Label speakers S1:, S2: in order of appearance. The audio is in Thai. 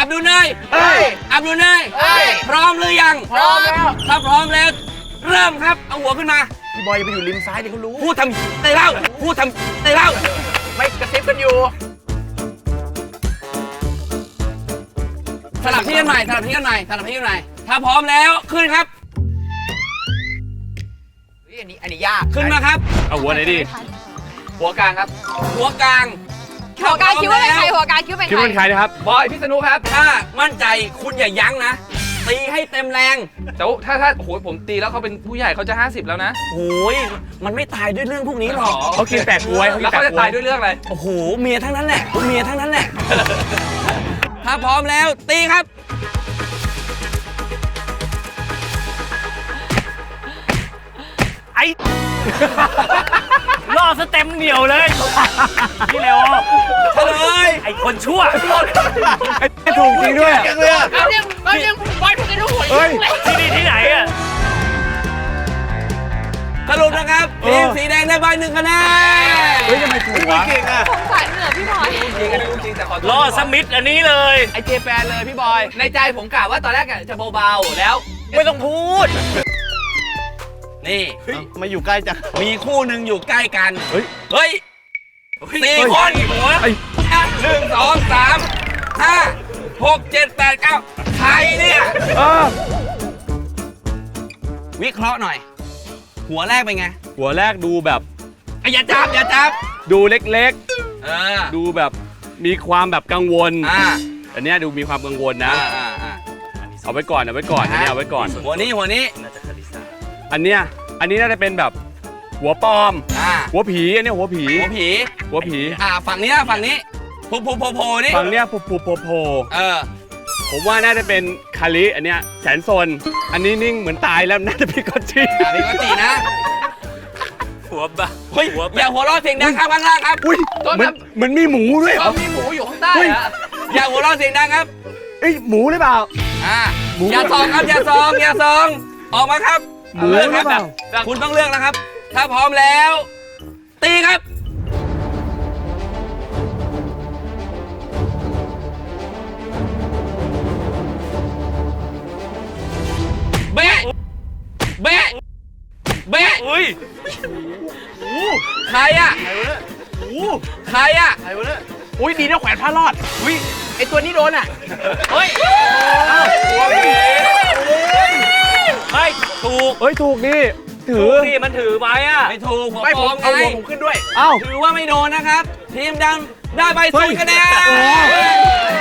S1: บดุลเนยอับดุลเนยพร้อมหรือยังพร้อมแล้วถ้าพร้อมแล้วเริ่มครับเอาหัวขึ้นมา
S2: พี่บอยไปอยู่ริมซ้ายดิเขารู้
S1: พูดทำในเล่าพูดทำในเล่า
S2: ไม่กระซิบกันอยู่
S1: สลับที่กันใหม่สลับที่กันใหม่สลับที่กันใหม่ถ้าพร้อมแล้วขึ้นครับ
S2: อันนี้ยาก
S1: ขึ้นมาครับ
S3: เอาหัวไหนดี
S2: หัวกลางครับ
S1: หัวกลาง
S4: คิดว่าเป็นใครหัวกลางคิดว่าเป็นใคร
S3: คิดว่าเป็นใครนะครับ
S2: บอยพิษณุครับ
S1: ถ้ามั่นใจคุณอย่ายั้งนะตีให้เต็มแรง
S2: แต่ถ้าโอ้โหผมตีแล้วเขาเป็นผู้ใหญ่เขาจะ50แล้วนะ
S1: โอ้ยมันไม่ตายด้วยเรื่องพวกนี้หรอก
S3: เขากินแปะกล้วย
S2: แล้วเขาจะตายด้วยเรื่องอะไร
S1: โอ้โหเมียทั้งนั้นแหละเมียทั้งนั้นแหละถ้าพร้อมแล้วตีครับ
S3: ไอ้ล่อสเต็มเหนียวเลยพี่เร็ว
S1: เฉลย
S3: ไอ้คนชั่วไอ้ถูกจริงด้วย
S4: เรายังบอยถูกในลูกหัว
S3: เฮ้ยที่นี่ที่ไหนอะ
S1: สรุปนะครับทีมสีแดงได้ใบ1 คะแนน
S3: เฮ้ยทำไมถูกวะ
S2: เก่งอ่ะ
S4: สงสารเหนือพี่บอย
S2: จริงกันจริงแต่ขอ
S3: ล่อสมิธอันนี้เลย
S2: ไอเจแปนเลยพี่บอยในใจผมกะว่าตอนแรกจะเบาๆแล้ว
S3: ไม่ต้องพูด
S1: นี่
S2: มาอยู่ใกล้จัง
S1: มีคู่หนึ่งอยู่ใกล้กัน
S3: เฮ้
S1: ย4 คนหัว1 2 3 5 6 7 8 9ใครเนี่ยวิเคราะห์หน่อยหัวแรกเป็นไง
S3: หัวแรกดูแบบ
S1: อย่าจับ
S3: ดูเล็กๆดูแบบมีความแบบกังวลอันนี้ดูมีความกังวลนะเอาไว้ก่อนอันนี้เอาไว้ก่อน
S1: หัวนี้
S3: อันนี้น่าจะเป็นแบบหัวปลอมหัวผีอันนี้หัวผี
S1: ฝั่งนี้โผล่นี่
S3: ฝั่งเนี้ยโผล่ผมว่าน่าจะเป็นคาริอันเนี้ยแสนซนอันนี้นิ่งเหมือนตายแล้วน่าจะพี่กอตจี
S1: นะหัวบ้าอย่าหัวเราะเสียงดังครับข้างล่างครับ
S3: มันมีหมูด้วยเหรอ
S2: มีหมูอยู่ข้างใต้
S1: อย่าหัวเราะเสียงดังครับ
S3: หมูหรือเปล่า
S1: อย่าซองครับอย่าซองออกมาครับ
S3: หมูหรือเปล่า
S1: คุณต้องเลือกนะครับถ้าพร้อมแล้วตีครับเบ๊ะ
S3: อุ้ย
S1: ใครอะ
S2: อุ้ยดีนะแขวนผ้ารอดอุ้ยไอตัวนี้โดนอ่ะ
S3: เฮ้ยถูกนี่ถือนี่มันถือไม้อะ
S1: ไม่ถูก
S2: ไม่ผมเอาหัวผมขึ้นด้วย
S1: ถือว่าไม่โดนนะครับทีมดำได้ไป0 คะแนน